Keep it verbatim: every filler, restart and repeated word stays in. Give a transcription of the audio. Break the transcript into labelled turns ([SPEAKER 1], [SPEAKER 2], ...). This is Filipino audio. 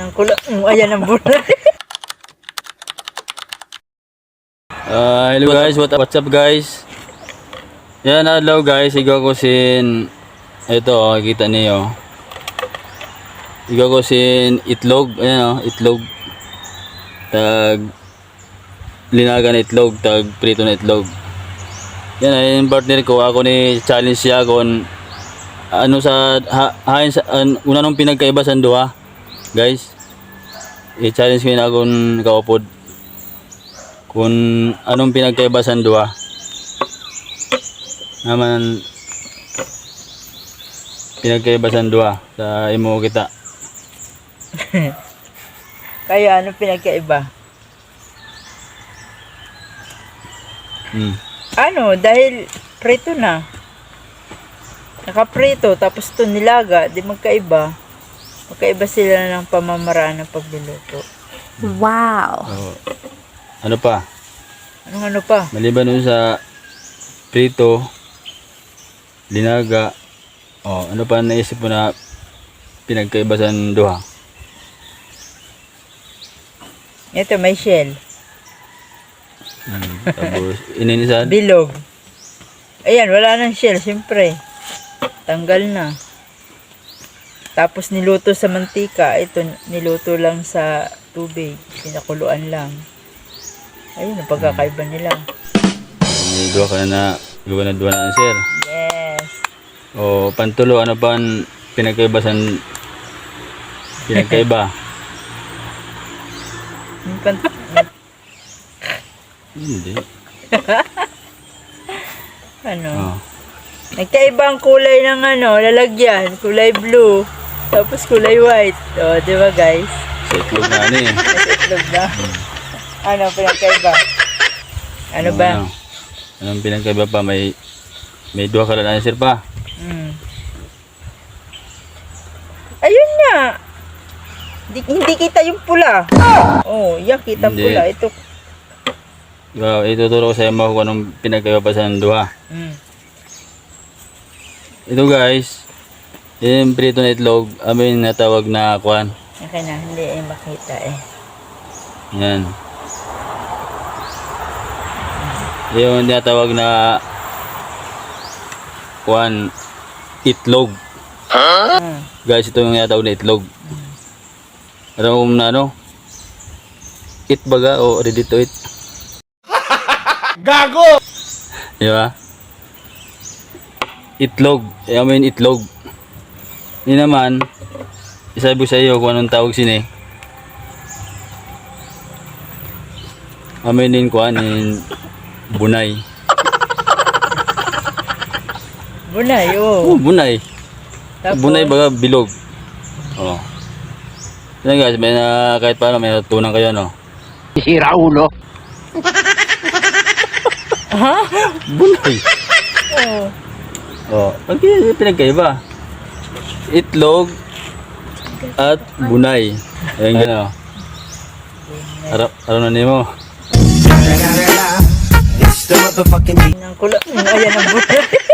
[SPEAKER 1] Ang kulo, mm, ayan ang bulay.
[SPEAKER 2] Uh, hello guys, what up, what's up guys? Yan, hello guys, igaw ko sin ito, oh, kita niyo. Igaw ko sin itlog, ayan oh, itlog. Tag linaga na itlog, tag prito na itlog. Yan ay yung partner ko, ako ni challenge siya kung ano sa ha, hain sa an, una nung pinagkaiba sa duha. Guys, i-challenge ko na akong kaupod kung anong pinagkaiba sa duha. Naman pinagkaiba sa duha sa imo kita.
[SPEAKER 1] Kaya ano pinagkaiba?
[SPEAKER 2] Hmm.
[SPEAKER 1] Ano, dahil prito na. Nakaprito, tapos ito nilaga, di magkaiba. Magkaiba sila ng pamamaraan ng pagluluto.
[SPEAKER 3] Wow!
[SPEAKER 2] Oh. Ano pa?
[SPEAKER 1] Anong ano pa?
[SPEAKER 2] Maliban nun sa prito, linaga, oh, ano pa naisip mo na pinagkaiba sa duha?
[SPEAKER 1] Ito, may shell.
[SPEAKER 2] Hmm. Tapos ininisan?
[SPEAKER 1] Bilog. Ayan, wala nang shell, siyempre. Tanggal na. Tapos niluto sa mantika. Ito, niluto lang sa tubig. Pinakuluan lang. Ayun, ang pagkakaiba nila.
[SPEAKER 2] May duha ka na na, duha na duha na answer.
[SPEAKER 1] Yes.
[SPEAKER 2] O pantulo, ano pa ang pinagkaiba sa pinagkaiba?
[SPEAKER 1] Yung pan-
[SPEAKER 2] Hindi.
[SPEAKER 1] ano?
[SPEAKER 2] Oh.
[SPEAKER 1] Nagkaiba ang kulay ng ano, lalagyan. Kulay blue. Tapos kulay white. O, di ba guys?
[SPEAKER 2] Sa itlog na ano eh.
[SPEAKER 1] Nasa itlog na. Ano, pinagkaiba? Ano ba?
[SPEAKER 2] Ano? Anong pinagkaiba pa? May may duha ka na answer pa.
[SPEAKER 1] Hmm. Ayun nga. Hindi, hindi kita yung pula. Oh, yan kita
[SPEAKER 2] Hindi.
[SPEAKER 1] pula. Ito.
[SPEAKER 2] Wow, ituturo ko sa iyo mo kung anong pinagkaiba pa sa duha.
[SPEAKER 1] Hmm.
[SPEAKER 2] Ito guys, yung prito na itlog, amin natawag na kwan.
[SPEAKER 1] Okay na, hindi ay makita eh.
[SPEAKER 2] Yan. Yung tinatawag na kwan, itlog.
[SPEAKER 1] Hmm.
[SPEAKER 2] Guys, ito yung tinatawag na itlog. Alam mo na ano? Eat baga o ready to eat?
[SPEAKER 4] Gago!
[SPEAKER 2] Di ba? Itlog. I mean itlog. Hindi naman, isabi sa iyo kung anong tawag sini. Amin din kuan in bunay.
[SPEAKER 1] Bunay,
[SPEAKER 2] Oh,
[SPEAKER 1] oh.
[SPEAKER 2] bunay.
[SPEAKER 1] Tapos,
[SPEAKER 2] Bunay baga bilog. Oh. Yan guys, may na, kahit paano may natutunan kayo no.
[SPEAKER 4] Sira ulo.
[SPEAKER 1] ha?
[SPEAKER 2] Bunay.
[SPEAKER 1] Oh.
[SPEAKER 2] Oh, pagki pinagkaiba. Itlog at bunay. Ayun gano. Arap, araw na nimo.
[SPEAKER 1] Ang kulo, mm, ayan ang bulay.